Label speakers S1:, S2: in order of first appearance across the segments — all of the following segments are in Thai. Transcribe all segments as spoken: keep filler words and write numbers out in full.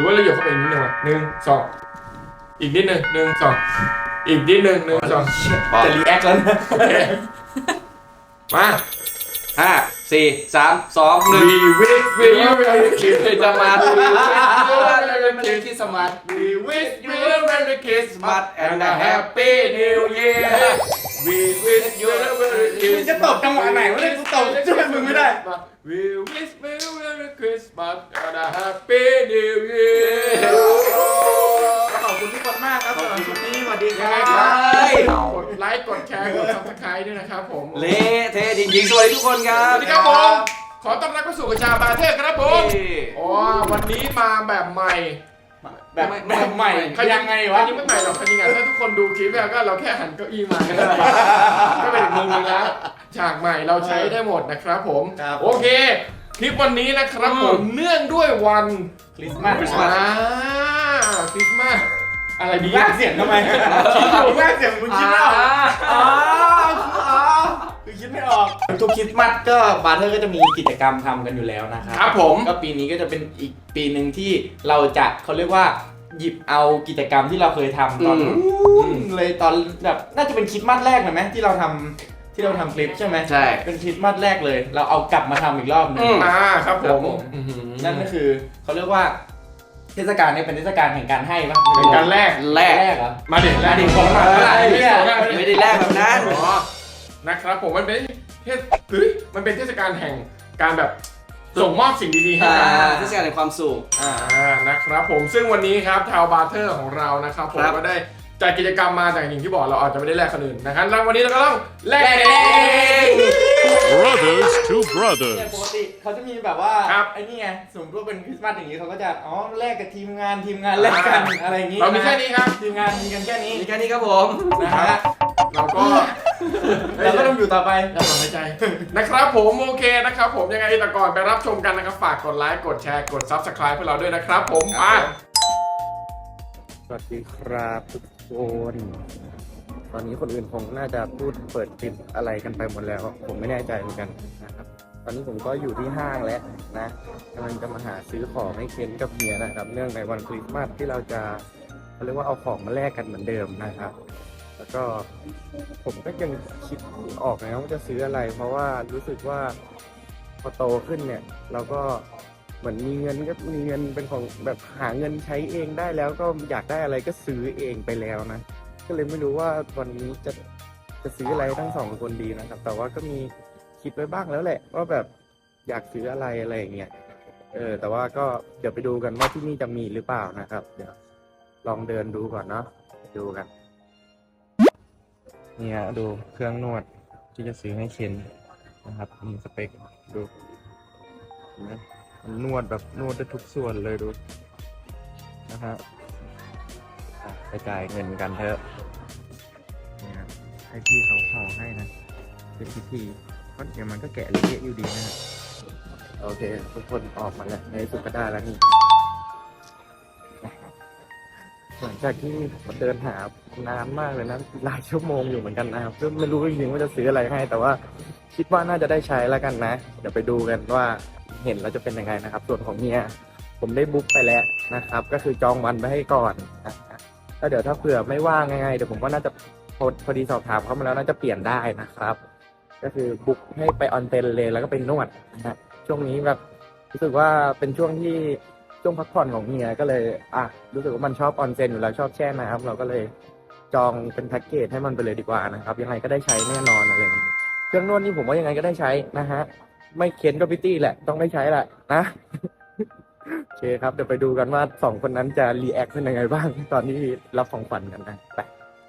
S1: รือว่าเราหยดเข้าไปอีกนิดนึงวะหนึ่งสองอีกนิดนึงหนึ่งสองอีกนิดนึงหนึ่งสอง
S2: จะรีแอคแล้วนะ
S1: มา
S2: ห้าสี่สามสองหนึ่ง
S1: We wish you a merry
S2: จะมา
S1: Christmas
S2: We wish you a merry Christmas
S1: We wish you a merry Christmas and a happy new year We wish you a merry Christmas
S3: มึงจะตบจังหวะไหนวะเนี่ยกูตบช่วยมึงไม่ได้
S1: We wish you a merry Christmas and a happy new year
S3: ขอบคุณทุกคนมากครับสำหรับชุดนี้สวัสดีค
S1: ยัง
S3: รั
S1: ไง
S3: บ
S1: ครับกดไลค์กดแชร์กด Subscribe ด้วยนะครับผม
S2: เละเทะจริงๆสวัสดีทุกคนครั
S1: ส
S2: บ
S1: วัสดีครับผม ขอต้อนรับเข้าสู่กระชาบาเทศครับผมอ๋อวันนี้มาแบบใหม่
S3: แบบแบบใหม่ยังไงวะ
S1: อันนี้ไม่ใหม่หรอกจริงๆถ้าทุกคนดูคลิปแล้วก็เราแค่หันเก้าอี้มาก็ได้ก็เป็นอีกมุมนึงแล้วฉากใหม่เราใช้ได้หมดนะครับผมโอเคคลิปวันนี้นะครับผมเนื่องด้วยวัน
S3: คริสต์มาส
S1: คริสต์มาสคริสต์มาสอะไรดี
S3: ลากเสียงทำไมลากเสียงมึงคิดไม่ออกอ๋ออ๋อคือคิดไม่ออกทุกคริสต์มาสก็บาร์เทอร์ก็จะมีกิจกรรมทำกันอยู่แล้วนะครับ
S1: ครับผม
S3: ก็ปีนี้ก็จะเป็นอีกปีหนึ่งที่เราจะเขาเรียกว่าหยิบเอากิจกรรมที่เราเคยทำตอนนู้นเลยตอนแบบน่าจะเป็นคริสต์มาสแรกเลยไหมที่เราทำที่เราทำคลิปใช่ไหม
S2: ใช่
S3: เป็นคริสต์มาสแรกเลย เราเอากลับมาทำอีกรอบหนึง
S1: อ่าครับผม
S3: นั่นก็คือเขาเรียกว่าเทศกาลนี้เป็นเทศกาลแห่งการให้ปะ
S1: เป็นการแรก
S2: แรก
S3: แรกเหรอ
S1: มาเด็ดแรก
S3: มาดิของมา
S1: ไม่ได้
S3: เนี่ย
S2: ไม่ได้แรกแบบนั้น
S1: อ๋อนะครับผมมันเป็นเทศเฮ้ยมันเป็นเทศกาลแห่งการแบบส่งมอบสิ่งดีๆให้
S2: อ่า
S1: กัน
S2: เทศกาลแห่งความสุข
S1: อ่านะครับผมซึ่งวันนี้ครับทาวบาร์เทอร์ของเรานะครับผม
S2: ครับ
S1: ก็ได้จัดกิจกรรมมาแต่อย่างที่บอกเราอาจจะไม่ได้แลกคนอื่นนะครับแล้ววันนี้เราก็ต้องแลกเอง
S4: Brothers to
S3: เนี่ย
S4: brothers.
S3: ปกติเขาจะมีแบบว่า
S1: ครับ
S3: ไอ้นี่ไงสมมติว่าเป็นคริสต์มาสอย่างนี้เขาก็จะอ๋อแลกกับทีมงานทีมงานแลกกันอะไรอย่างงี้
S1: เรามีแค่นี้ครับ
S3: ทีมงานมีกันแค่นี้
S2: มีแค่นี้ครับผม
S3: นะฮะ
S1: เราก็
S3: เราก็ต้องอยู่ต่อไป
S1: เราต้องหายใจ นะครับผมโอเคนะครับผมยังไงแต่ก่อนไปรับชมกันนะครับฝากกดไลค์กดแชร์กด Subscribe เพื่อเราด้วยนะครับผมมา
S5: สวัสดีครับทุกคนตอนนี้คนอื่นคงน่าจะพูดเปิดคลิปอะไรกันไปหมดแล้ว ผมไม่แน่ใจเหมือนกันนะครับ ตอนนี้ผมก็อยู่ที่ห้างแล้วนะกำลังจะมาหาซื้อของให้เคนกับเมียนะครับ เนื่องในวันคริสต์มาสที่เราจะเขาเรียกว่าเอาของมาแลกกันเหมือนเดิมนะครับ แล้วก็ผมก็ยังคิดไม่ออกนะว่าจะซื้ออะไร เพราะว่ารู้สึกว่าพอโตขึ้นเนี่ยเราก็เหมือนมีเงินก็มีเงินเป็นของแบบหาเงินใช้เองได้แล้วก็อยากได้อะไรก็ซื้อเองไปแล้วนะก็เลยไม่รู้ว่าวันนี้จะจะซื้ออะไรทั้งสองคนดีนะครับ แต่ว่าก็มีคิดไว้บ้างแล้วแหละว่าแบบอยากซื้ออะไรอะไรอย่างเงี้ยเออแต่ว่าก็เดี๋ยวไปดูกันว่าที่นี่จะมีหรือเปล่านะครับเดี๋ยวลองเดินดูก่อนเนาะดูกันเนี่ยดูเครื่องนวดที่จะซื้อให้เคนนะครับมีสเปคดูเห็นไหมมันนวดแบบนวดได้ทุกส่วนเลยดูนะฮะอ่ะไปจ่ายเงินกันเถอะเนี่ยให้พี่เขาห่อให้นะเป็นพิธีเพราะเดี๋ยวมันก็แกะเละอยู่ดีนะฮะโอเคทุกคนออกมาแล้วในสุดก็ได้แล้วนี่หลังจากที่เดินหานานมากเลยนะหลายชั่วโมงอยู่เหมือนกันนะครับก็ไม่รู้จริงๆว่าจะซื้ออะไรให้ แต่ว่าคิดว่าน่าจะได้ใช้แล้วกันนะเดี๋ยวไปดูกันว่าเห็นแล้วจะเป็นยังไงนะครับส่วนของเมียผมได้บุ๊กไปแล้วนะครับ ก็คือจองวันไปให้ก่อนนะแล้วเดี๋ยวถ้าเผื่อไม่ว่างยังไงเดี๋ยวผมก็น่าจะพอพอดีสอบถามเขามาแล้วน่าจะเปลี่ยนได้นะครับ ก็คือบุ๊กให้ไปออนเซ็นเลยแล้วก็ไปนวดนะฮะช่วงนี้แบบรู้สึกว่าเป็นช่วงที่ช่วงพักผ่อนของเมียก็เลยอ่ะรู้สึกว่ามันชอบออนเซ็นอยู่แล้วชอบแช่น้ำเราก็เลยจองเป็นแพ็กเกจให้มันไปเลยดีกว่านะครับยังไงก็ได้ใช้แน่นอนอะไรอย่างนี้เครื่องนวดนี่ผมว่ายังไงก็ได้ใช้นะฮะไม่เค้นก็พิตตี้แหละต้องได้ใช้แหละนะ โอเคครับเดี๋ยวไปดูกันว่าสองคนนั้นจะรีแอคเป็นยังไงบ้างตอนที่รับของขวัญกันนะไป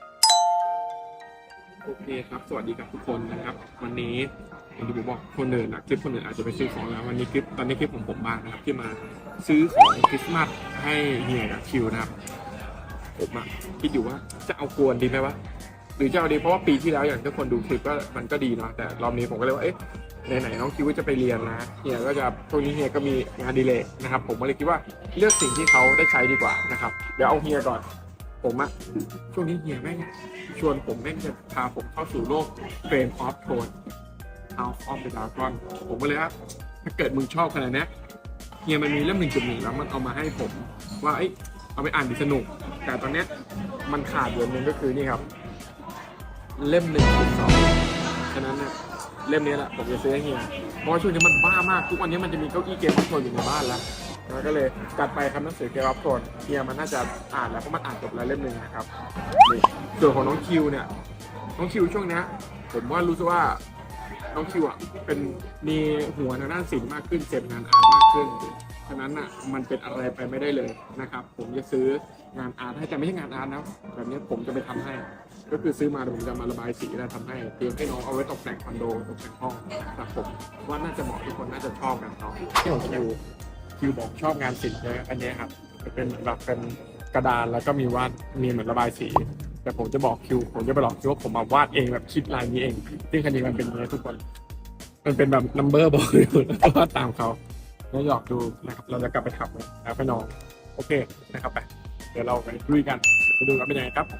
S1: โอเคครับสวัสดีกับทุกคนนะครับวันนี้อย่างที่ผมบอกคนอื่นนะคลิปคนอื่นอาจจะไปซื้อของแล้ววันนี้คลิปตอนนี้คลิปของผมบ้างนะครับที่มาซื้อของคริสต์มาสให้เฮียกับคิวนะครับผมอะคิดอยู่ว่าจะเอากวนดีไหมวะหรือจะเอาดีเพราะว่าปีที่แล้วอย่างทุกคนดูคลิปก็มันก็ดีเนาะแต่รอบนี้ผมก็เลยว่าเอ๊ะไหนๆน้องคิวจะไปเรียนนะเฮียก็จะช่วงนี้เฮียก็มีงานดีเลย์นะครับผมก็เลยคิดว่าเลือกสิ่งที่เขาได้ใช้ดีกว่านะครับเดี๋ยวเอาเฮียก่อนผมอะช่วงนี้เฮียแม่งชวนผมแม่งจะพาผมเข้าสู่โลกเฟรมออฟโทน House of the Dragon ผมก็เลยว่าถ้าเกิดมึงชอบขนาดนี้เฮียมันมีเล่มหนึ่งจุดหนึ่งแล้วมันเอามาให้ผมว่าเอ้ยเอาไปอ่านดีสนุก แต่ตอนเนี้ยมันขาดเดือนหนึ่งก็คือนี่ครับ เล่มหนึ่งจุดสองฉะนั้นเนี่ยเล่มนี้แหละผมจะซื้อให้เฮียเพราะว่าช่วงนี้มันบ้ามากทุกวันนี้มันจะมีเก้าอี้เกมอัพโทนอยู่ในบ้านแล้วแล้วก็เลยจัดไปครับหนังสือเกมอัพโทนเฮียมันน่าจะอ่านแล้วเพราะมันอ่านจบแล้วเล่มหนึ่งนะครับนี่ส่วนของน้องคิวเนี่ยน้องคิวช่วงเนี้ยผมว่ารู้สึกว่าน้องคิวอ่ะเป็นมีหัวทางด้านศิลป์มากขึ้นเสพงานอาร์ตมากขึ้นฉะนั้นอ่ะมันเป็นอะไรไปไม่ได้เลยนะครับผมจะซื้องานอาร์ตให้แต่ไม่ใช่งานอาร์ตนะแบบนี้ผมจะไปทำให้ก็คือซื้อมาเดี๋ยวผมจะมาระบายสีแล้วทำให้เตรียมให้น้องเอาไว้ตกแต่งคอนโดตกแต่งห้องนะครับผมว่าน่าจะเหมาะทุกคนน่าจะชอบกันเนาะที่ของคิวคิวบอกชอบงานศิลป์เลยอันนี้ครับเป็นแบบเป็นกระดานแล้วก็มีวาดมีเหมือนระบายสีแต่ผมจะบอกคิวผมจะไปหลอกคิวว่าผมมาวาดเองแบบคิดลายนี้เองซึ่งคันนี้มันเป็นอย่างนี้ทุกคนมันเป็นแบบนัมเบอร์บอกอยู่แล้วก็วาดตามเขาแล้วหยอกดูนะครับเราจะกลับไปทำแล้วให้น้องโอเคนะครับไปเดี๋ยวเราไปคุยกันไปดูกันเป็นยังไงครับ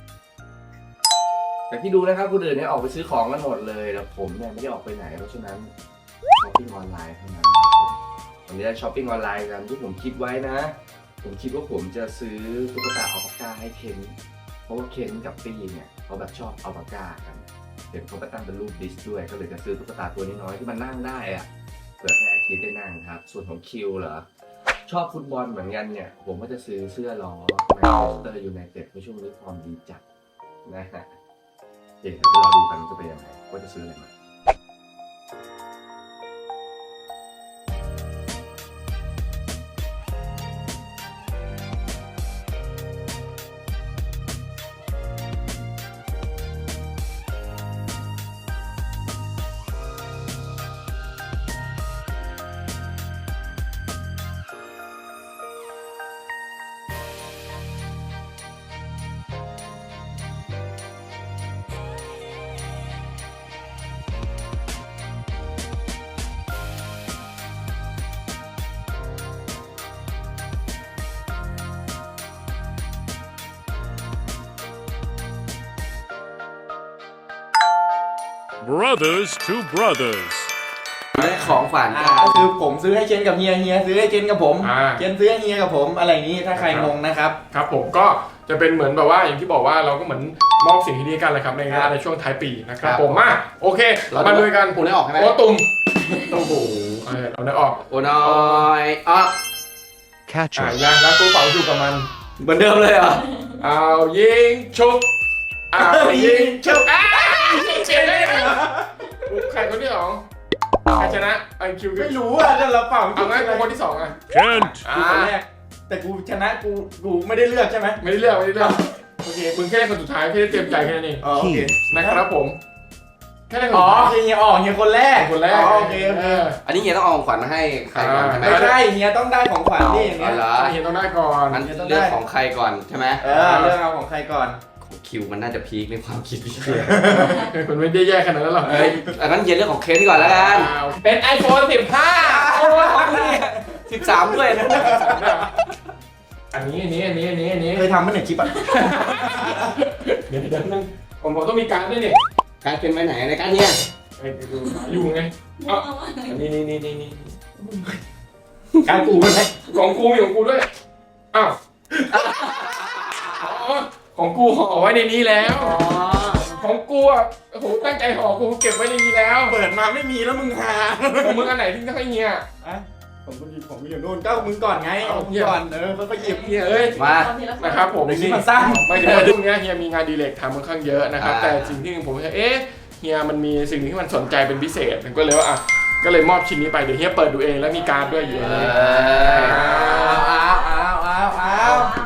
S2: แต่ที่ดูนะครับคนอื่นเนี่ยออกไปซื้อของกันหมดเลยแต่ผมเนี่ยไม่ได้ออกไปไหนเพราะฉะนั้นช้อปปิ้งออนไลน์เท่านั้นครับผมวันนี้ได้ช้อปปิ้งออนไลน์กันที่ผมคิดไว้นะผมคิดว่าผมจะซื้อตุ๊กตาอัลปาก้าให้เคนเพราะว่าเคนกับปีเนี่ยเขาแบบชอบอัลปาก้ากันเห็นเขาไปตั้งเป็นรูปดิสด้วยก็เลยจะซื้อตุ๊กตาตัวน้อยๆที่มันนั่งได้อะเผื่อให้อาทิตย์ได้นั่งครับส่วนของคิวเหรอชอบฟุตบอลเหมือนกันเนี่ยผมก็จะซื้อเสื้อล้อแมนเชสเตอร์ยูไนเต็ดในช่วงนี้ฟอร์มดีจัดนะฮะเดี๋ยวเราดูกันจะเป็นยังไงว่าจะซื้ออะไรมา
S4: Brothers to brothers.
S2: ได้ของขวัญ
S3: อ่าก็คือผมซื้อให้เชนกับเฮียเฮียซื้อให้เชนกับผม
S1: อ่า
S3: เชนซื้อให้เฮียกับผมอะไรอย่างนี้ถ้าใครงงนะครับ
S1: ครับผมก็จะเป็นเหมือนแบบว่าอย่างที่บอกว่าเราก็เหมือนมอบสิ่งที่ดีกันเลยครับในงานในช่วงท้ายปีนะครับผมมาโอเคมาดูกัน
S2: ผมได้ออกใช่ไหม
S1: โอ้ตุ่มโอ้โหเออเราได้ออก
S2: โอ้น้อยอ่ะ
S4: Catch
S1: อ่า
S4: us.
S1: ยังแล้วตู้เป่าอยู่กับมัน
S2: เหมือนเดิมเลยเหรอ
S1: เอายิงชุบเอายิงชุบอ้าเชียร์ได้เหรอใครคนที่สองใครชนะไอคิว
S3: ไม่รู้อ่ะก็เราเป่า
S1: เอางั้นกูคนที่สองอ่ะ
S4: Kent.
S3: กูคนแรกแต่กูชนะกูกูไม่ได้เลือกใช่ไหม
S1: ไม่ได้เลือกไม่ได้เลือกโอเคมึงแค่ได้คนสุดท้ายแค่ได้เตรียมใจแค่นั้นเอง
S3: อ๋อโอเค
S1: นะครับผมแค่ได้คน
S3: อ๋อ
S1: สุดท้าย
S3: เฮียอ๋อเฮียคนแรก
S1: คนแรก
S3: อ๋อโอเคโอเค
S1: เออ
S2: อันนี้เฮียต้องเอาของขวัญมาให้ใครก่อนใช่ไหม
S3: ไม่ใช่เฮียต้องได้ของขวัญนี่อย่างเงี้
S2: อ๋อย เหรอ
S1: เฮียต้องได้ก่อน
S2: มันเลือกของใครก่อนใช่ไหม
S3: เออเลือกเอาของใครก่อน
S2: ของคิวมันน่าจะพีคในความคิดพี่
S1: คุณไม่ได้แย่ขนาดนั้นหรอก
S2: เอ้ยอันนั้นเฮียเลือกของเคนก่อนแล้วกัน
S1: เป็น iPhone สิบห้า
S2: โอ้ยของนี่สิบสามด้วยนะ
S1: อันนี้อันนี้อันนี้อันนี้อันนี้
S3: เคยทำมาหนึ่งคลิปอ่ะ
S1: เดี๋ยวเดี๋ยวนึงผมผมต้องมีการด้วยนี่
S2: การเป็นไปไหนในการเนี่ย
S1: ไอ้ดูอยู่ไงอ๋ออันนี้นี่นี่นี่นี่
S3: การกูไหม
S1: ของกูมีของกูด้วยอ้าวอ๋อของกูห่อไว้ในนี้แล้ว
S2: อ๋อ
S1: ของกูอ่ะโอ้โหตั้งใจห่อกูเก็บไว้ในนี้แล้ว
S3: เปิดมาไม่มีแล้วมึงหา
S1: ของมึงอันไหนที่จะให้เฮีย
S3: อ่ะผมก็หยิบของกูอยู่นู่นก็มึงก่อนไงเอามึงก่อนเออแล้วก็หยิบ
S1: เฮียเอ้ย
S2: มา
S1: นะครับผม
S3: เดี๋ยวคลิป
S1: นี่
S3: มันสั้น
S1: ไม่ถึงว่าช่วงนี้เฮียมีงานดีเลกทำค่อนข้างเยอะนะครับ
S2: อ่า
S1: แต่สิ่งที่ผมเอ๊ะเฮียมันมีสิ่งที่มันสนใจเป็นพิเศษผมก็เลยว่าอ่ะก็เลยมอบชิ้นนี้ไปเดี๋ยวเฮียเปิดดูเองแล้วมีการ์ดด้วยอยู่ในนี้
S3: อ้าวอ้าวอ้าวอ้าว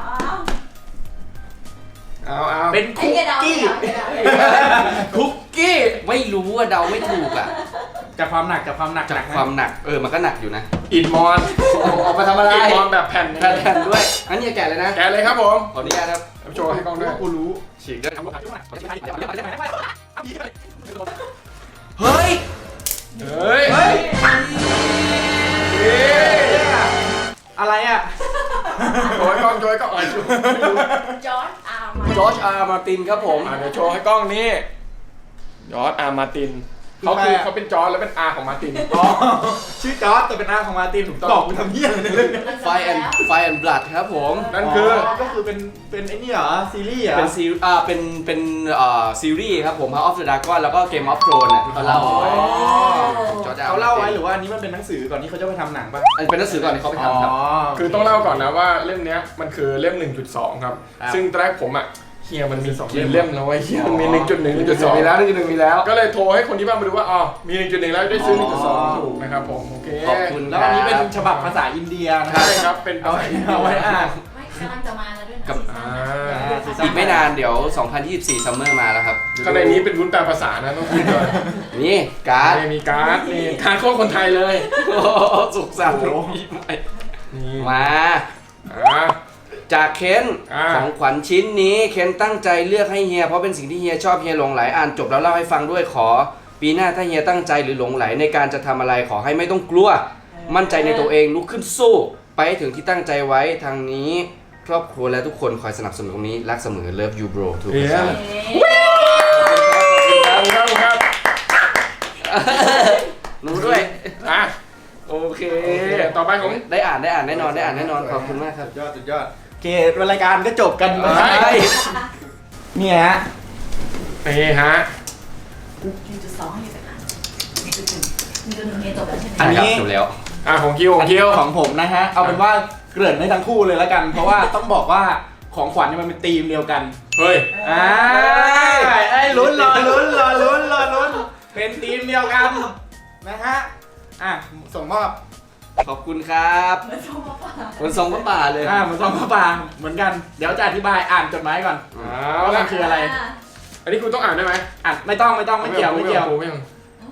S1: เอาเอา
S3: เป็นคุกกี้
S2: คุกกี้ไม่รู้ว่าเดาไม่ถูกอ่ะ
S3: จากความหนักจากความหนัก
S2: จากความหนักเออมันก็หนักอยู่นะ
S1: อินมอน
S2: ออกมาทำอะไร
S1: อินมอนแบบแผ่น
S2: แทนด้วยงั้นเนี่ยแกะเลยนะ
S1: แกะเลยครับผม
S2: ขออนุญาตครับ
S1: เอาโชว์ให้กล้องด้วย
S3: กูรู้
S2: ฉีกด้วยเฮ้ย
S1: เฮ้ย
S3: เฮ้ย
S1: เฮ้ย
S3: อะไรอ่ะ
S1: โชว์ให้กล้องโชว์ให้กล้องอ่ะ
S6: จอร์จอาร์มา
S2: จอร์จอาร์มาตินครับผม
S1: อ่ะเดี๋ยวโชว์ให้กล้องนี่ยอร์จอาร์มาตินเขาคือเขาเป็นจอร์จแล้วเป็นอาของมาร์ติน
S3: อ๋อชื่อจอร์จแต่เป็นอาของมาร์ตินถูกต้องบอกกูทำเหี้ยอะไรในเรื่องนี้
S2: ไฟแอนไฟแอนบลัดครับผม
S1: นั่นคือ
S3: ก็คือเป็นเป็นไอ้นี่เหรอซีรีส์เหรอ
S2: เป็นซีอ่าเป็นเป็นเอ่อซีรีส์ครับผม House of the Dragon แล้วก็ Game of Thrones น่ะที่เขาเล่าเอาไว้จอร์จ
S3: เขาเล่าไว้หรือว่าอันนี้มันเป็นหนังสือก่อนที่เขาจะไปทำหนังป่ะ
S2: อันเป็นหนังสือก่อนที่เขาไปทำครับ
S1: คือต้องเล่าก่อนนะว่าเล่มเนี้ยมันคือเล่ม หนึ่งจุดสอง ครับ
S3: ครับ
S1: ซึ่งตอนแรกผมอ่ะเฮียมันมีสองเล่มแล้วไอ้เฮียมันมี หนึ่งจุดหนึ่ง หนึ่งจุดสอง
S2: มีแล้วหนึ่งจุดหนึ่งมีแล้ว
S1: ก็เลยโทรให้คนที่บ้านมาดูว่าอ๋อมี หนึ่งจุดหนึ่ง แล้วได้ซื้อ หนึ่งจุดสอง ถูกนะครับผมโอเค
S2: ขอบคุณ
S3: แล้วอันนี้เป็นฉบับภาษาอินเดียนะครั
S1: ใช่
S3: บ
S1: ครับเป็นภา
S3: เอา
S1: ษา
S3: ไว้
S1: อินเดีย
S3: เอาไว้อ่าน
S6: ไม่กำลังจะมาแล้วด้วยนะ
S2: กับ
S6: ซีซั่น
S2: อีกไม่นานเดี๋ยว สองพันยี่สิบสี่ ซัมเมอร์มาแล้วครับ
S1: ข้างในนี้เป็นวุ้นแปลภาษานะต้องพูดก่อน
S2: นี่การ์ด
S1: นี่มีการ์ดนี่การ์ดโค้ดคนไทยเลย
S2: โอ้โหสุขสันต์ปีใหม่
S1: นี่
S2: มา
S1: อ่า
S2: จากเคน
S1: อ่า
S2: ของขวัญชิ้นนี้เคนตั้งใจเลือกให้เฮียเพราะเป็นสิ่งที่เฮียชอบเฮียหลงไหลอ่านจบแล้วเล่าให้ฟังด้วยขอ ปีหน้าถ้าเฮียตั้งใจหรือหลงไหลในการจะทำอะไรขอให้ไม่ต้องกลัว มั่นใจในตัวเองลุกขึ้นสู้ ไปให้ถึงที่ตั้งใจไว้ทางนี้ ครอบครัวและทุกคนคอยสนับสนุนตรงนี้รักเสมอ Love you bro ถูกไหมครับ
S6: เอ๊ะ
S1: ครับครับครับ
S2: หนูด้วย
S1: อ่ะ
S2: โอเค
S1: โอเคต่อไปของ
S2: ได้อ่านได้อ่านแน่นอนได้อ่านแน่นอนขอบคุณมากครับ
S3: สุดยอดสุดยอดโอเครายการก็จบกันไป
S1: ใช่
S3: เนี่ยฮะ
S1: นี่ฮะ
S6: หนึ่งจุดสองอยู่สักครั้งหนึ่งจุดหนึ่งหนึ่งจุดหนึ่งเฮียจบแล้วใช่ไหม
S3: อันนี้
S2: จบแล้ว
S1: อ่ะของคิวของคิว
S3: ของผมนะฮะ เอาเป็นว่าเกริ่นให้ทั้งคู่เลยแล้วกัน เพราะว่าต้องบอกว่าของขวัญเนี่ยมันเป็นธีมเดียวกัน
S1: เฮ้ย
S3: อ่าไอ้ลุ้นรอลุ้นรอลุ้นรอลุ้นเป็นธีมเดียวกันนะฮะ อ่ะส่งมอบ
S2: ขอบคุณครับ
S6: เหมือนโซฟาป่า
S2: คนทรงพระป่าเลย
S3: อ่าเหมือนซองพระปรางเหมือนกัน เดี๋ยวจะอธิบายอ่านจดหมายก่อน
S1: เอา
S3: ว่า
S1: ละ
S3: มันคืออะไร
S1: อันนี้คุณต้องอ่านได้ไหม
S3: อ่านไม่ต้องไม่ต้องไม่เกี่ยวไม่เกี่ยว
S1: ไม่ต้อง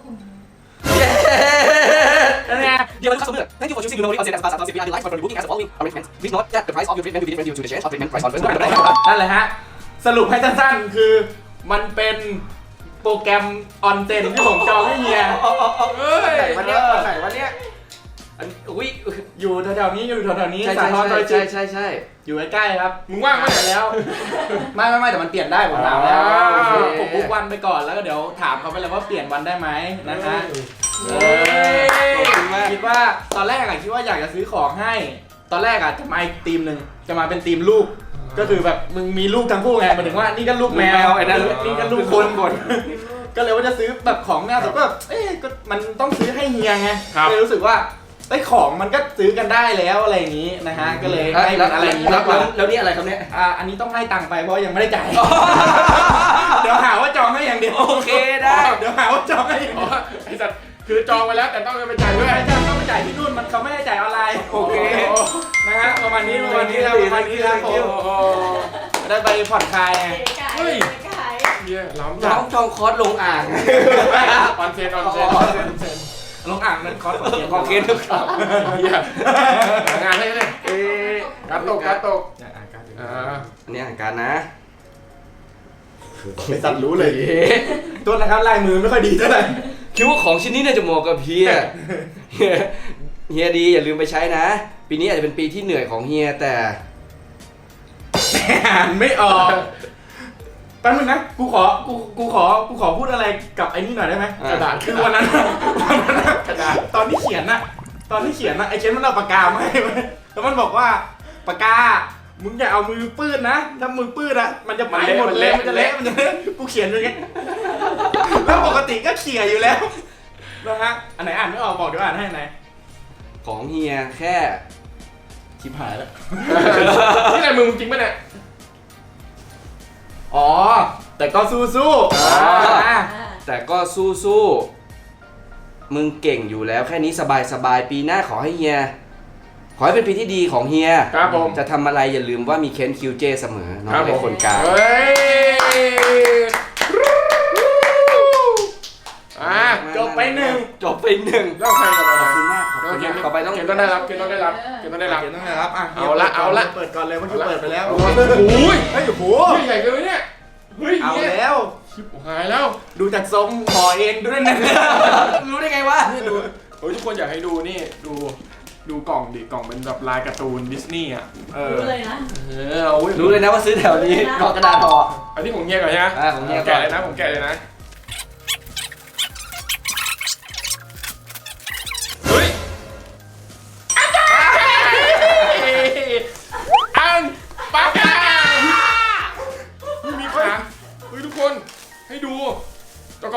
S3: นั่นไง
S2: Dear customer, thank you for choosing Memory on Sales Plus. We are delighted for rebooking as the following arrangements. Please note that the price of your treatment will be different due to the change of treatment price on first.
S3: นั่นแหละฮะ สรุปให้สั้นๆ คือมันเป็นโปรแกรมออนเซ็นที่ผมจองให้เฮีย
S2: เฮ้ยวันเนี้ยวันไหนวันเนี้ยอันอุ้ย
S3: อยู่แถวๆนี้อยู่แถวๆนี้
S2: ใช่
S3: สา
S2: ใช่
S3: ทรซอย
S2: ใช่
S3: จิต
S2: ใช่ใช่
S3: อยู่ใกล้ๆครับ
S1: มึงว่างไหม
S3: ไปแล้ว ไม่ไม่ไม่แต่มันเปลี่ยนได้ผมถามแล้ว
S1: อ่า
S3: คือผมบุ๊กวันไปก่อนแล้วก็เดี๋ยวถามเขาไปเลยว่าเปลี่ยนวันได้ไหมนะฮะ
S2: เออขอบคุณมาก
S3: คิดว่าตอนแรกอะคิดว่าอยากจะซื้อของให้ ตอนแรกอะจะมาอีกทีมหนึ่งจะมาเป็นทีมลูก ก็คือแบบมึงมีลูกทั้งคู่ไงหมายถึงว่านี่ก็ลูกแมวไอ้นั่นนี่ก็ลูกคนคนก็เลยว่าจะซื้อแบบของแมวแต่ก็แบบเอ๊ะก็มันต้องซื้อให้เฮียไง
S1: ครับ
S3: เลยรู้สึกว่าไอ้ยของมันก็ซื้อกันได้แล้วอะไรอย่างนี้นะฮะก็เลยให้
S2: แล้ว
S3: เป็นอะไรอย่างนี้
S2: แล้
S3: มาว กกว่า
S2: แล้วนี่อะไรครับเนี่ย
S3: อ่าอันนี้ต้องให้ตังค์ไปเพราะยังไม่ได้จ่าย เดี๋ยวหาว่าจองให้อย่างเดียว
S2: โอเคได้
S3: เดี๋ยวหาว่าจองให้อย่าง
S1: อ๋อ
S3: เดียว
S1: ไอ้สัตว์คือจองไปแล้วแต่ต้องไปจ่ายด้วย
S3: ไม่จ่ายต้องไปจ่ายที่นู่นมันเขาไม่ให้จ่ายออนไลน์
S2: โอเค
S3: นะฮะประมาณนี้ประมาณนี้ครับประมาณนี้ครับผม
S1: โอ้
S3: ได้ไปผ่อนคลายไง
S6: เก๋ไก่
S1: เฮ้ย
S6: เก๋ไก่
S1: เยี่ยล้ำ
S2: น้
S1: จั
S2: องจองคอร์สลงอ่าง
S1: ออนเซนออนเซน
S2: อ๋
S1: อ
S2: อ
S1: อนเซน
S3: ลงอ่างนั้นคอร์สของเกียน
S2: ของเคนทุกครับ
S1: เยี่ยหางานให้เลย
S2: เอ๊ะ
S1: การตกการตก
S3: อ่านการ์ดอยู่
S1: อ่า
S2: อันนี้อ่านการนะ
S3: ไปสัตว์รู้เลยตัวนะครับลายมือไม่ค่อยดีเท่าไหร่
S2: คิดว่าของชิ้นนี้น่าจะเหมาะกับเฮีย เฮียเฮียดีอย่าลืมไปใช้นะ ปีนี้อาจจะเป็นปีที่เหนื่อยของเฮียแต่
S3: อ่านไม่ออกแป๊บนึงนะกูขอกูกูขอกูขอพูดอะไรกับไอ้นี่หน่อยได้ไหม
S2: อ่า
S3: กระดาษคือวันนั้นวันนั้นน่ะกระดาษตอนที่เขียนน่ะตอนที่เขียนน่ะไอ้เขียนมันเอาปากกามาให้ไว้แล้วมันบอกว่าปากกามึงอย่าเอามือปื้ดนะถ้ามือปื้ดอะมันจะไปหมดเลยมันจะเละมันจะเละกูเขียนอย่างเงี้ยแล้วปกติก็เขียนอยู่แล้วนะฮะอันไหนอ่านไม่ออกบอกเดี๋ยวอ่านให้ไหน
S2: ของเฮียแค่
S3: ชิบหายแล้ว
S1: นี่อะไรมึงจริงปะเนี่ย
S3: อ๋อแต่ก็สู้สู้ๆ
S1: อ่า
S3: อ่า
S2: แต่ก็สู้สู้ๆมึงเก่งอยู่แล้วแค่นี้สบายสบายๆปีหน้าขอให้เฮีย ขอให้เป็นปีที่ดีของเฮีย
S1: ครับผม
S2: จะทำอะไรอย่าลืมว่ามีเคนคิวเจเสมอน้องเป็นคนกลาง
S1: เฮ้ยอ่ะ
S3: จบไปหนึ่ง
S2: จบไปหนึ่ง
S1: เล่าใครกับ
S2: ข
S1: เรา
S2: อบคุณมากขอบคุณมากต่อไปต้อง
S1: เกณฑ์ต้องได้รับเกณฑ์ต้องได้รับเกณฑ์ต้องได้รับ
S3: เขียนตั้งแต่รับอ่ะ
S1: เอาละเอาละ
S3: เปิดก่อนเลยเมื่อกี้เปิดไปแล้ว
S1: โอ้ย
S3: เฮ้ยโอ้โห
S1: เฮ้ยใหญ่เกินไปเนี่ยเฮ้ย
S3: เอา
S1: เนี่ย
S3: แล้ว
S1: ชิบหายแล้ว
S3: ดูจากทรงหอเองด้วยนะ
S2: รู้ได้ไงวะ
S1: นี่ดูโอ้ยทุกคนอยากให้ดูนี่ดูดูกล่องดิกล่องเป็นแบบลายการ์ตูนดิสนีย์อ่ะเออ
S6: รู้เลยนะ
S1: เออเอาเว้ย
S2: รู้เลยนะว่าซื้อแถวนี้กอกระดาษห่อ
S1: อันนี้ผมเฮียก่อนใช่ไหม
S2: อ่าของเฮียก่อน
S1: แกะเลยนะผมแกะเลยนะ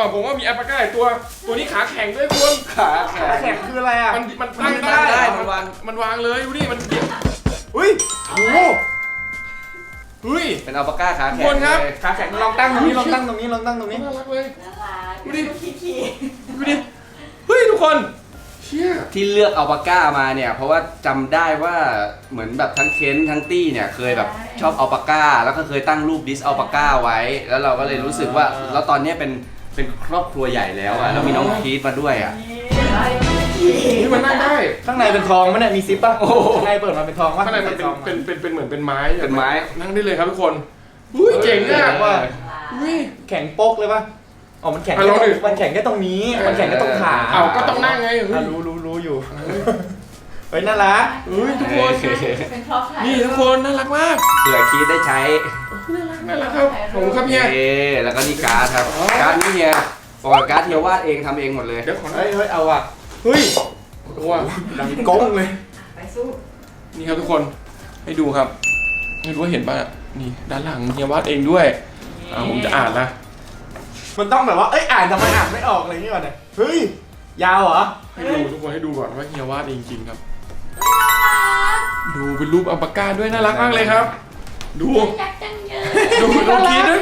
S1: ผมว่ามีอัลปาก้าอีกตัว ตัวนี้ขาแข็งด้วยคุณ
S2: ขาแข็
S3: ขาง แข็งคืออะไรอ่ะ
S1: มันมันตั้ง
S2: มันตั้งได้
S1: ได้
S2: มันวาง
S1: มันวางเลยดูดิมันเกี่ยว
S3: อุ้ยโอ้โห
S1: เฮ้ย
S2: เป็นอัลปาก้าขา
S1: ทุ
S2: แข็
S1: กคนครับ
S2: เลย
S3: ขาแข็งลองตั้งตรงนี้ลองตั้งตรงนี้ลองตั้งตรงนี้
S1: น่ารักเลย
S6: น่ารัก
S1: ดูดิ
S6: ขี้ขี้
S1: ดูดิเฮ้ยทุกคนเชี่ย
S2: ที่เลือกอัลปาก้ามาเนี่ยเพราะว่าจำได้ว่าเหมือนแบบทั้งเคนทั้งตี้เนี่ยเคยแบบชอบอัลปาก้าแล้วก็เคยตั้งรูปดิสอัลปาก้าไว้ แล้วเราก็เลยรู้สึกว่าแล้วตอนเนี้ยเป็นเป็นครอบครัวใหญ่แล้วอ่ะแล้วมีน้องพีทมาด้วยอ่ะ
S1: นี่มันนั่งได้
S3: ข้างในเป็นทองมั้ยเนี่ยมีซิปป่ะโอ้ข้างในเปิดมาเป็นทองป่ะ
S1: ข้างในมันเป็นเป็นเป็นเป็นเหมือนเป็นไม้
S2: เป็นไม้
S1: นั่งได้เลยครับทุกคนอุ้ยเจ๋งอ่ะ
S3: ว่า
S1: อุ้ย
S3: แข็งโป๊กเลยป่ะอ๋อมันแข็ง
S1: อ่ะลองดิ
S3: มันแข็งแค่ตรงนี้มันแข็งแค่ตรงขา
S1: เอาก็ต้องนั่งไงเฮ้
S3: อ่ะ
S1: ย
S3: รู้รู้รู้อยู่เฮ้ยน่ารัก
S1: เฮ้ยทุกคน
S6: เป็นครอบครัว
S1: นี่ทุกคนน่ารักมาก
S2: เผื่อคีดได้ใช้
S1: น่ารักครับผมครับเฮีย
S2: เอแล้วก็นี่การ์ดครับการ์ดนี่เฮียบอกว่าการ์ดเฮียวาดเองทำเองหมดเลย
S1: เดี๋ยวขอหน่
S3: เฮ้
S1: อย
S3: ยเฮ้ยเอาอ่ะ
S1: เฮ้ยตัว
S3: ดังก้งเลย
S6: ไปสู้
S1: นี่ครับทุกคนให้ดูครับไม่รู้ว่าเห็นป่ะนี่ด้านหลังเฮียวาดเองด้วยอ่าผมจะอ่านนะ
S3: มันต้องแบบว่าเอ้ยอ่านทำไมอ่านไม่ออกอะไรอย่างเงี้ยก่อนเนี่ยเฮ้ยยาวเหรอ
S1: ให้ดูทุกคนให้ดูก่อนว่าเฮียวาดเองจริงครับ ดูเป็นรูปอัลปาก้าด้วยน่ารักมากเลยครับ ดู
S6: ยักษ์จังเยอะ
S1: ดูดูคิดด้วย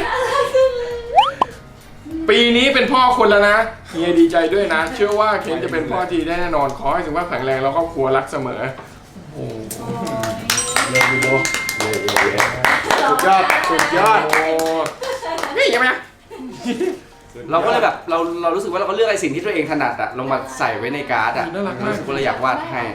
S1: ปีนี้เป็นพ่อคนแล้วนะเฮียดีใจด้วยนะ เชื่อว่าเคนจะเป็นพ่อที่ได้แน่นอนขอให้สุขภาพแข็งแรงแล้วครอบครัวรักเสมอโอ้โหเลิกวิดีโอ
S3: สุดยอดสุดยอด
S1: โอ้นี่ยังไงนะ
S2: เราก็เลยแบบเราเรารู้สึกว่าเราก็เลือกไอ้สิ่งที่ตัวเองถนัดอะลงมาใส่ไว้ในการ์ดอะ
S1: น่ารักมาก
S2: รู้สึกว่าเราอยากวาดให้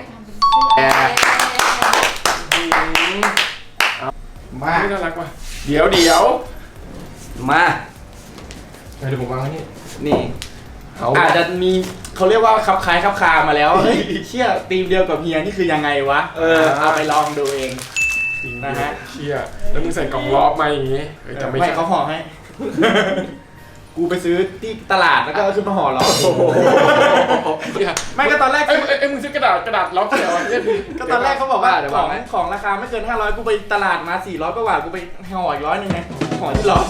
S3: มา
S1: น่ารักว่ะเดี๋ยวเดี๋ยว
S2: มา
S1: เดี๋ยวผมวางไว้นี่
S2: นี่
S1: เอา
S3: อาจจะมีเขาเรียกว่าคับคล้ายคับคามาแล้วเฮ้ยเชี่ยทีมเดียวกับเฮียนี่คือยังไงวะเออเอาไปลองดูเอง นะฮะ
S1: เชี่ยแล้วมึงใส่กล่องล้อมาอย่างงี้เฮ้ยแต่ไม่
S3: ไม่
S1: ใช่
S3: เขาห่อให้ กูไปซื้อที่ตลาดแล้วก็เอาขึ้นมาห่อล้อ
S1: เชี่ย
S3: ไม่ก็ตอนแรก
S1: เอ้ยเอ้ยเอ้ยมึงซื้อกระดาษกระดาษล้อเขียวอ่ะเนี่ย
S3: ก็ตอนแรกเขาบอกว่า
S2: เดี๋ยว
S3: ข
S2: วา
S3: อง ง
S2: ไว้
S3: ของราคาไม่เกินห้าร้อยกูไปตลาดมาสี่ร้อยกว่าบาทกูไปห่ออีกร้อยหนึงไงห่อที่ล้อ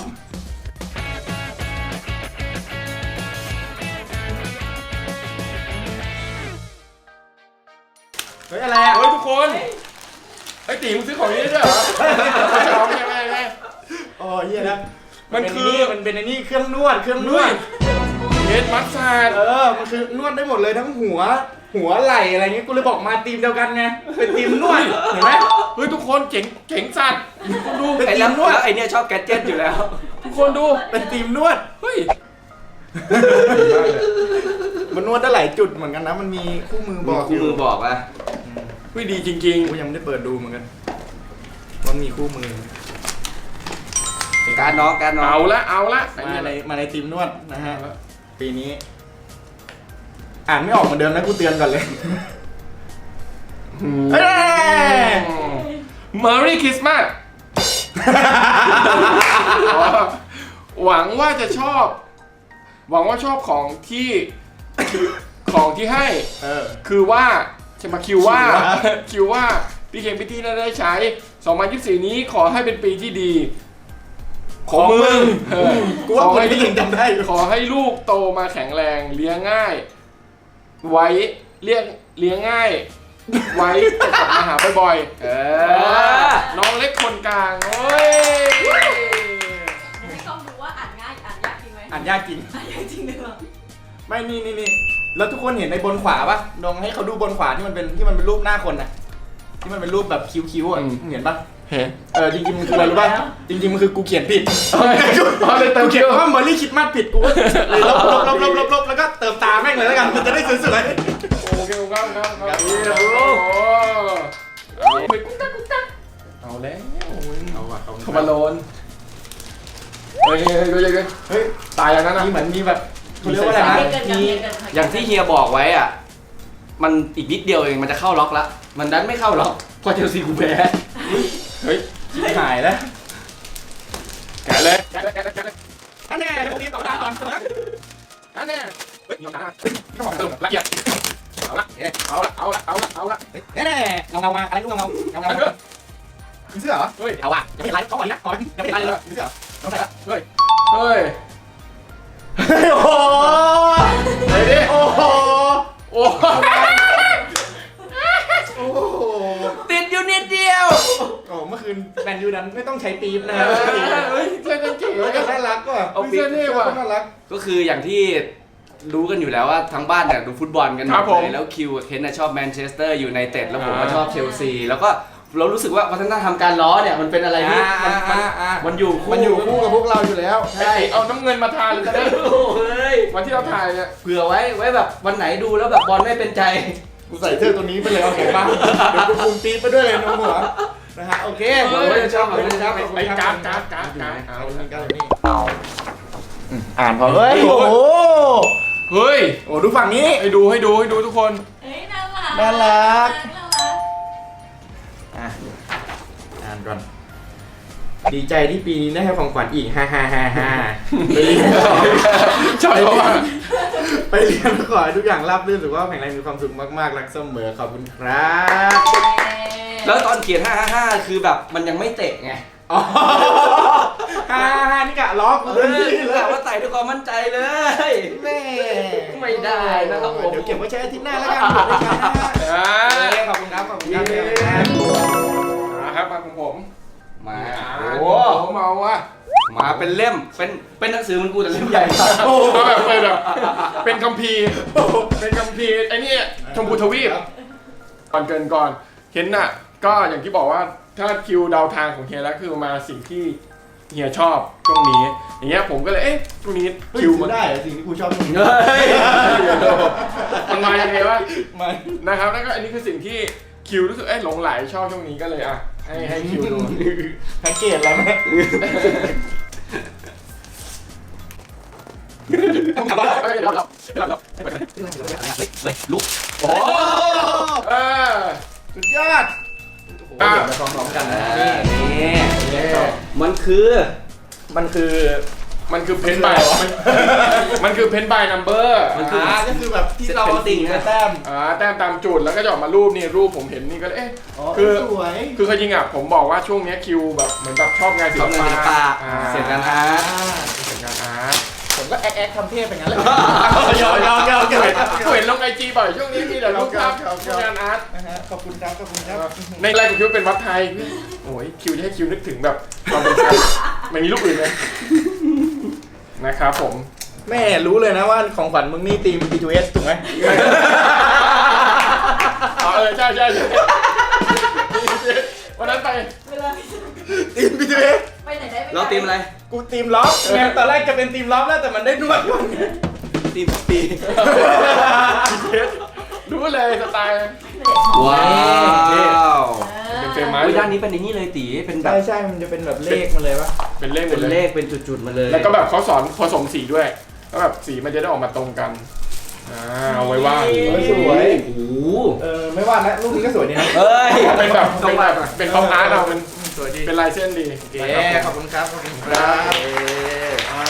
S3: เฮ้ยอะไรอ่ะ
S1: เฮ้ยทุกคนไอ้ตีมึงซื้อของนี้ได้ด้วยเหรอไม่ใช่ของไม่ไม่ไม่
S3: โอ้เฮียนะ
S1: มันคือ
S3: มันเป็นไอ้นี่เครื่องนวดเครื่องนวด
S1: เฮดมัสซาด
S3: เออ มันคือนวดได้หมดเลยทั้งหัว หัวไหล่อะไรเงี้ย กูเลยบอกมาทีมเดียวกันไง เป็นทีมนวด เห็นไหม
S1: เฮ้ยทุกคนเจ๋งเจ๋งสัตว์ทุกคนดู
S2: ไอ้แล้วแล้วไอ้เนี่ยชอบแกดเจ็ตอยู่แล้ว
S1: ทุกคนดู
S3: เป็นทีมนวด
S1: เฮ้ย
S3: มันนวดได้หลายจุดเหมือนกันนะ มันมีคู่มือบอก
S2: คู่มือบอกว่า
S1: เฮ้ยดีจริง
S3: กูยังไม่ได้เปิดดูเหมือนกัน มันมีคู่มือ
S2: การดน้องการด
S1: ๆ
S2: น้อง
S1: เอาละเอาละไอ้
S3: มา
S1: นี่
S3: ในมาในทีมนวดนะฮะ ปีนี้ อ่านไม่ออกเหมือนเดิมนะกูเตือนก่อนเลย เฮ้ย
S1: Merry Christmas หวังว่าจะชอบ หวังว่าชอบของที่ของที่ให้
S3: เออ
S1: คือว่าจะมาคิวว่า
S3: คิวว่า
S1: คิวว่าพี่เคนพี่ที่น่าได้ใช้สองพันยี่สิบสี่นี้ขอให้เป็นปีที่ดี ของมึงเออ
S3: กูว่า
S1: ขอ
S3: คน
S1: ให้
S3: ที่ยังจำได้อยู่
S1: ขอให้ลูกโตมาแข็งแรงเลี้ยงง่าย ไว้เลี้ยงเลี้ยงง่าย ไว้จะกลับมาหาบ่อยๆ
S2: เออ
S1: น้องเล็กคนกลางโอ้ย
S6: ไม่ต้องดูว่าอ่านง่ายอ่านยากจริงไหม
S3: อ่านยากจริง
S6: อ่านยากจริงหรือเปล่า
S3: ไม่นี่นี่นี่แล้วทุกคนเห็นในบนขวาปะลองให้เขาดูบนขวาที่มันเป็นที่มันเป็นรูปหน้าคนน่ะ ที่มันเป็นรูปแบบคิ้วๆอ่ะเห็นปะ
S1: เห็น
S3: เออจริงๆมันคืออะไรรู้ป่ะจริงๆมันคือกูเขียนผิด
S1: เอาเลยเติม
S3: กู
S1: เขี
S3: เขี
S1: ย
S3: ยนว่าเมอร์รี่คิดมาสผิดกูก็เลยลบลบลบลบลบลบแล้วก็เติมตาแม่งเลยแล้วกันมันจะได้สวย
S1: โอเคครับครับครับ
S3: ครับ
S1: โอ้โหเอาไปกุ๊กตักกุ๊กตักเอาแล้ว
S3: ๆเอาว่ะ
S1: ขมาโลนเฮ้ยเฮ้ยเฮ้ยเฮ้ย
S3: เฮ้ย
S1: ตายอย่างนั้นนะ
S3: นี่เหมือนมีแบบเขาเรียกว่าอะไร
S6: เรีย
S3: นะ
S6: กกันกับ
S3: มี
S6: เรียกกันค่ะ
S2: อย่างที่เฮียบอกไว้อ่ะ มันอีกนิดเดียวเองมันจะเข้าล็อกละมันดันไม่เข้าล็อกเพราะเชลซีกูแพ้
S1: เฮ้ย
S3: ชิบหายแล้ว
S1: แกะเลยแกะเลยแกะเลยแกะเลย
S3: อันนี้พวกนี้ต่อตาก่อน
S1: อันนี้เฮ้ยยอมตาก็บอกเติมละเอียดเอาละเอาละเอาละเอาละเอาละ
S3: แน่ๆเงาเงามาอะไรกูเงาเงาเงาเงามีเสื้อเหรอ
S1: เฮ้ย
S3: เอาว่ะยังไม่เห็นไรเขาก่อนนะก่อนยังไม่เห็นไรเลยมีเสื้อต้องใส่ละ
S1: เฮ้ยเฮ้ย
S3: โอ้โหไอ้ดิโอ้โหโอ้โหโอ้โห
S2: ติดอยู่นิดเดียว
S3: โอ้เมื่อคืนแมนยูนั้นไม่ต้องใช้ปี๊บนะ
S1: เฮ้ยเสื้อกันเก๋
S3: เฮ้ยน่ารักว่ะ
S1: เอาเสื้อเท่ว่ะ
S3: น่ารัก
S2: ก็คืออย่างที่รู้กันอยู่แล้วว่าทั้งบ้านเนี่ยดูฟุตบอลกันหม
S1: ครั
S2: ด
S1: บผม
S2: เลยแล้วคิวกับเคนน่ะชอบแมนเชสเตอร์ยูไนเต็ดแล้วผมก็
S1: อ่า
S2: ชอบเชลซีแล้วก็เรารู้สึกว่าวัฒนธรรมการล้อเนี่ยมันเป็นอะไรที่มันมัน
S3: อ่าอ่า
S2: มันอยู่คู่
S3: มันอยู่คู่กับพวกเราอยู่แล้ว
S2: ใช่
S1: เอาน้ำเงินมาทานเลยจะได้
S2: โอ้ย
S1: วันที่เราถ่ายเนี่ย
S2: เผื่อไว้ไว้แบบวันไหนดูแล้วแบบบอลไม่เป็นใจ
S3: กูใส่เสื้อตัวนี้ไปเลยเอาเห็นป่ะเดี๋ยวกูคุมปี๊บไปด้วยเลยน้องหัวนะฮะโอเค
S2: หวังว่าจะชอบหวังว่าจะชอบ
S1: ไปการ์ดการ์ดการ์ดการ์ด
S3: เอาเงินกันเลยนี่อ่านพอเฮ้ยโอ้โห
S1: เฮ้ย
S3: โอ้ดูฝั่งนี้
S1: ให้ดูให้ดูให้ดูทุกคน
S6: เฮ้ยน่ารัก
S3: น่ารัก
S6: น่ารัก
S3: อ่ะอ่านก่อนดีใจที่ปีนี้ได้ให้ของขวัญอีกฮ่าฮ่าฮ่าฮ่าไปเรียนต่อ
S1: ชอบเพราะว่า
S3: ไปเรียนขอให้ทุกอย่างราบรื่นสุขภาพแข็งแรงมีความสุขมากๆรักเสมอขอบคุณครับ
S2: แล้วตอนเขียนห้าห้าห้าคือแบบมันยังไม่เตะไง
S3: อ๋อฮ่าฮ่าฮ่านี่กะล้อกู
S2: เอ
S3: เต็ม
S2: อ
S3: ที่เล
S2: แบ
S3: ย
S2: บว่าใส่ด้วยความมั่นใจเลย
S3: แม่
S2: ไม่ได้นะครับผม
S3: เดี๋ยวเก็บไว้ใช้อาทิตย์หน้าแล้วกันเผื่อได้ใช้นะฮะ
S1: อ่า
S3: โอเคขอบคุณครับขอบคุณครับ
S1: ครับมาของผม
S2: มา
S1: โอ้
S2: โอ้
S1: ผมเอาว่ะ
S2: มาเป็นเล่มเป็นเป็นหนังสือมันกูแต่เล่มใหญ่มาก
S1: โอ้มาแบบเป็นแบบเป็นคัมภีร์เป็นคัมภีร์ไอ้นี่ชมพูทวีปก่อนเกินก่อนเห็นน่ะก็อย่างที่บอกว่าถ้าคิวเดาทางของเฮียแล้วคือมาสิ่งที่เฮียชอบช่วงนี้ อย่างเงี้ยผมก็เลยเอ๊ะช่วงนี้
S3: คิ
S1: คิ
S3: ว
S1: ว
S3: มั
S1: มัน น
S3: ได้เหรอสิ่งที่กูชอบมึง
S2: เฮ้ย
S1: มันมายังไงวะ
S3: มัน
S1: นะครับแล้วก็อันนี้คือสิ่งที่คิวรู้สึกเอ้ยหลงไหลชอบช่วงนี้ก็เลยอ่ะให้ให้คิวดู
S3: แพ็กเกจแล้วไหม
S2: ลุก
S1: โอ้เออ
S3: สุดยอด
S1: อ่ะ
S3: เดี๋ยวมาพร้อมๆกันนะ
S2: นี่
S3: นี่
S2: นี่มันคือ
S3: มันคือ
S1: มันคือเพนบายมันคือเพนบายนัมเบอร์
S2: มันคือ
S3: อ่าก็คือแบบที่เราติ่งมาแต้ม
S1: อ่าแต้มตามจุดแล้วก็จะออกมารูปนี่รูปผมเห็นนี่ก็เลยเอ๊ะ
S3: อ๋อ
S1: คือ
S3: สวย
S1: คือเขาจริงอ่ะผมบอกว่าช่วงเนี้ยคิวแบบเหมือนแบบชอบงานศิ
S2: ช
S1: ล
S2: อบงานศิล
S1: ปะ
S2: ปะ
S1: อ่า
S2: เสียงงานอาร์ต
S1: เสียงงานอาร์ต
S3: ผมก็แอ๊กแอ๊กทำเทพไปงั้นเลย
S1: ยอมยอมยอม
S3: ยอม
S1: เห็นลงไอจีบ่อยช่วงนี้มีแต่รูปภาพงานอาร์ต
S3: นะฮะขอบคุณครับขอบคุณครับ
S1: ในไลน์ของคิวเป็นวัดไทยโอ้ยคิวจะให้คิวนึกถึงแบบความเป็นไทยไม่มีรูปอื่นเลยนะครับผม
S3: แม่รู้เลยนะว่าของขวัญมึงนี่ตีม บี ทู เอส ถูกไหม
S1: อ๋อเออใช่ใช่ใช่วันนั้นไป
S6: เวลา
S3: ตีม บี ทู เอส
S6: ไปไหนได้ไปไหน
S2: เราตีมอะไร
S3: กูตีมล็อกไงตอนแรกจะเป็นตีมล็อกแล้วแต่มันได้นวดก่อนไง
S2: ตีมปี
S1: รู้เลยสไตล์
S2: ว้าว
S1: เป็นเฟรมไม้
S2: อุ้ยด้านนี้เป็นอย่างนี้เลยตีเป็นแบ
S3: ใช่
S2: บ
S3: ใช่มันจะเป็นแบบเลขมาเลยปะ
S1: เป็นเลขหม
S2: เป็
S1: ด
S2: น
S1: เลย
S2: เลขเป็นจุดๆมาเลย
S1: แล้วก็แบบเขาสอนผสมสีด้วยแล้วแบบสีมันจะได้ออกมาตรงกันอ่าเอาไว้ว่าด
S3: เฮ้ยสวย
S2: โอ้โห
S3: เออไม่ว่านะรูปนี้ก็สวยดีนะ
S2: เอ้ย
S1: เป็นแบบเป็นแบบเป็นคอมอาร์ตเอามัน
S3: สวยดี
S1: เป็นลายเส้นดี
S3: โอเค
S1: นะครับ
S3: ขอบคุณครับขอบคุณค
S1: ค
S3: รั
S1: รั
S3: บบ อ่า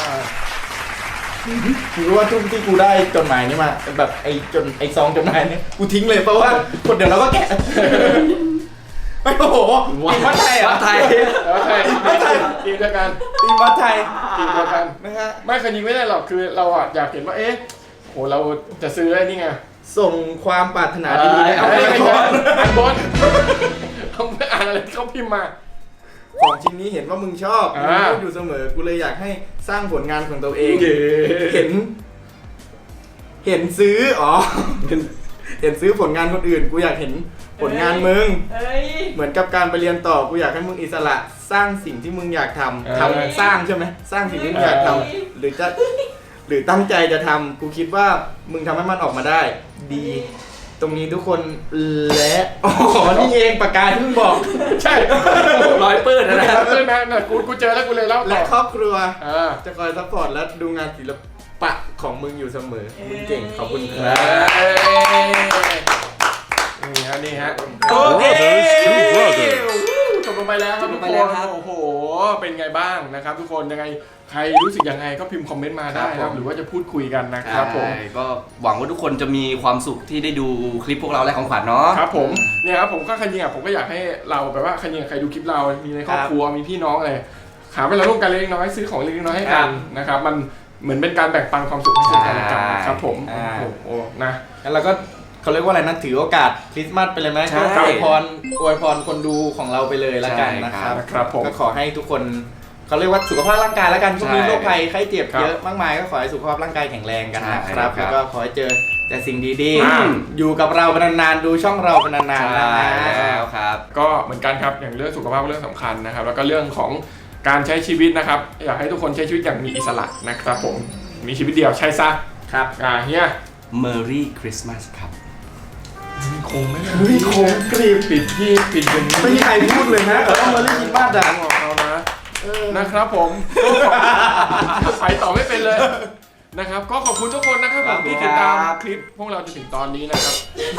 S3: รู้ว่าช่วงที่กูได้จดหมายนี้มาแบบไอ้จดไอ้ซองจดหมายนี้กูทิ้งเลยเพราะว่าคนเดี๋ยวเราก็แกะไม่โอ้โหตีมวัดไทยเหรอ
S2: วัดไทย
S1: แล้วใช่ทีมเดียวกัน
S3: ตีมวัดไทย
S1: ทีมเดียวกัน
S3: นะฮะ
S1: ไม่เคยยิงไม่ได้หรอกคือเราอ่ะอยากเห็นว่าเอ๊ะโหเราจะซื้อไอ้นี่ไง
S3: ส่งความปรารถนาดีๆ
S1: เอา
S3: เอา
S1: ไป
S3: ไป
S1: ไม่
S3: ก่
S1: ใช่
S3: อน
S1: อ่านบนเขาไม่อ่านอะไรเขาพิมพ์มา
S3: ของชิ้นนี้เห็นว่ามึงชอบมึง
S1: อ่า
S3: พูดอยู่เสมอกูเลยอยากให้สร้างผลงานของตัวเอง
S1: เย้
S3: เห็น เห็นซื้ออ๋อเห็นซื้อผลงานคนอื่น กูอยากเห็นผลงานมึง
S6: เอ้ย
S3: เหมือนกับการไปเรียนต่อกูอยากให้มึงอิสระสร้างสิ่งที่มึงอยากทำทำสร้างใช่ไหมสร้างสิ่งที่มึงอยากทำหรือจะหรือตั้งใจจะทำกูคิดว่ามึงทำให้มันออกมาได้ ดี ตรงนี้ทุกคนและอ๋อนี่เองปากกาที่มึงบอก
S1: ใช่
S2: ร้อยปื้ดนะ
S1: นะ
S2: นะ
S1: ครับเพื่อนนะน่ะกูกูเจอแล้วกูเลยเล่าต่
S3: และ
S1: อ
S3: ครอบครัว
S1: อ่า
S3: จะคอยซัพพอร์ตและดูงานศิลปะของมึงอยู่เสมอมึงเก่งขอบคุณค
S1: เอ
S3: รับ
S1: ้ยนี่ฮะนี่ฮะ
S4: Brothers to brothers
S1: จบลงไปแล้วครับทุก
S2: จบลงไป
S1: ค
S2: แล้ว
S1: น
S2: ครับ
S1: โอ้โหเป็นไงบ้างนะครับ ทุกคนยังไงใครรู้สึกยังไงก็พิมพ์คอมเมนต์มาได้
S2: ครับผม
S1: นะครับหรือว่าจะพูดคุยกันนะครับผม
S2: ใช่ก็หวังว่าทุกคนจะมีความสุขที่ได้ดูคลิปพวกเราและของขวัญเนาะ
S1: ครับผมเนี่ยครับผมก็คันยิงอ่ะผมก็อยากให้เราแบบว่าคันยิงใครดูคลิปเรามีในครอบครัวมีพี่น้องอะไรหาเวลาร่วมกันเล็กน้อยซื้อของเล็กน้อยให้กันนะครับมันเหมือนเป็นการแบ่งปันความสุขให้ซึ่งกันและกันนะครับผม
S3: อ่า
S1: โอ้โหนะ
S3: งั้นเราก็เขาเรียกว่าอะไรนะถือโอกาสคริสต์มาสไปเลยไหม
S2: ใช่
S3: ก็อวยพรอวยพรคนดูของเราไปเลยละกันนะครับ
S1: นะครับผม
S3: ก็ขอให้ทุกคนเขาเรียกว่าสุขภาพร่างกายแล้วกันช่วงนี้
S2: ใช่
S3: โรคภัยไข้เจ็บ
S1: ครับ
S3: เยอะมากมายก็ขอให้สุขภาพร่างกายแข็งแรงกันนะค
S2: ใช่
S3: รับ
S2: ครับ
S3: แล้วก็ขอให้เจอแต่สิ่งดี
S1: อ่า
S3: ๆอยู่กับเราเป็นนานๆดูช่องเราเป็นนานๆนะ
S2: ใช่
S3: ฮะ
S2: แล้วครับ
S1: ก็เหมือนกันครับอย่างเรื่องสุขภาพเรื่องสำคัญนะครับ แล้วก็เรื่องของการใช้ชีวิตนะครับ อยากให้ทุกคนใช้ชีวิตอย่างมีอิสระนะครับผมมีชีวิตเดียวใช่ซะ
S3: ครับ
S1: อ่าเฮีย
S2: Merry Christmas ครับ
S1: คงไม่
S3: เฮ้ยโคงกรีบ
S1: ปิดที่ปิดอย่างนี้
S3: ไม่มีใครพูดเลยนะเออมาเล่นคิดบ้านดัง
S1: ของเรานะนะครับผมไปต่อไม่เป็นเลยนะครับ ก็ขอบคุณทุกคนนะครับผมที่ติดตามคลิปพวกเราจนถึงตอนนี้นะครับ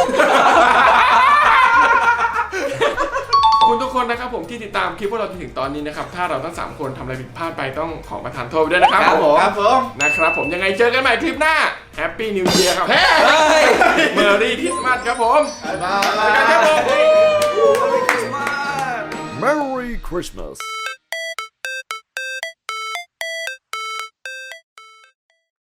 S1: ขอบคุณทุกคนนะครับผมที่ติดตามคลิปพวกเราจนถึงตอนนี้นะครับ ถ้าเราทั้งสามคนทำอะไรผิดพลาดไปต้องขอประทานโทษด้วยนะครับ
S3: ครับผมครับผม
S1: นะครับผมยังไงเจอกันใหม่คลิปหน้าแฮปปี้นิวเ e ียร์ครับเฮ้ยเมอร์รี่คริสต์มาสครับผมบายบายครับผม
S4: Merry Christmas.